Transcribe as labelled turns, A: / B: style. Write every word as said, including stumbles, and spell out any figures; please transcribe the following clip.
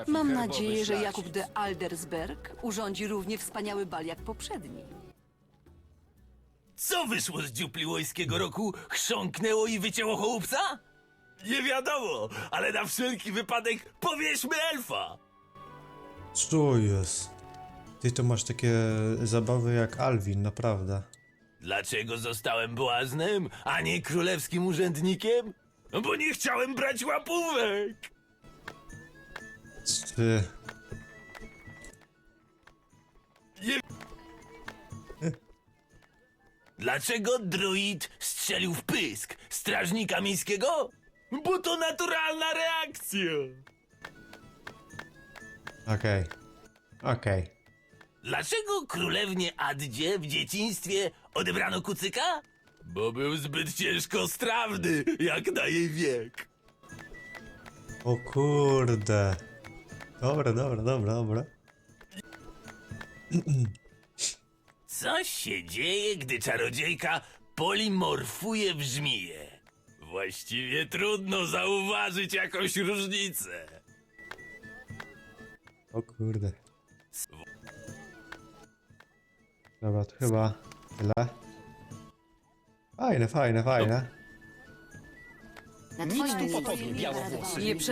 A: Mam nadzieję, że Jakub de Aldersberg urządzi równie wspaniały bal jak poprzedni.
B: Co wyszło z dziupliwojskiego roku? Chrząknęło i wycięło chłopca? Nie wiadomo, ale na wszelki wypadek powierzmy elfa!
C: Co jest? Ty to masz takie zabawy jak Alvin, naprawdę.
B: Dlaczego zostałem błaznem, a nie królewskim urzędnikiem? No bo nie chciałem brać łapówek!
C: Ty...
B: Nie... Dlaczego druid strzelił w pysk strażnika miejskiego? Bo to naturalna reakcja!
C: Okej. Okej.
B: Dlaczego królewnie Addzie w dzieciństwie odebrano kucyka? Bo był zbyt ciężko strawny, jak na jej wiek.
C: O kurde. Dobra, dobra, dobra, dobra.
B: Co się dzieje, gdy czarodziejka polimorfuje w żmiję? Właściwie trudno zauważyć jakąś różnicę.
C: O kurde. Dobra, to chyba tyle. Fajne, fajne, fajne.
A: Na
D: Nic
A: twoim
D: tu
A: miejscu
D: podobnie, białowłosy.
A: nie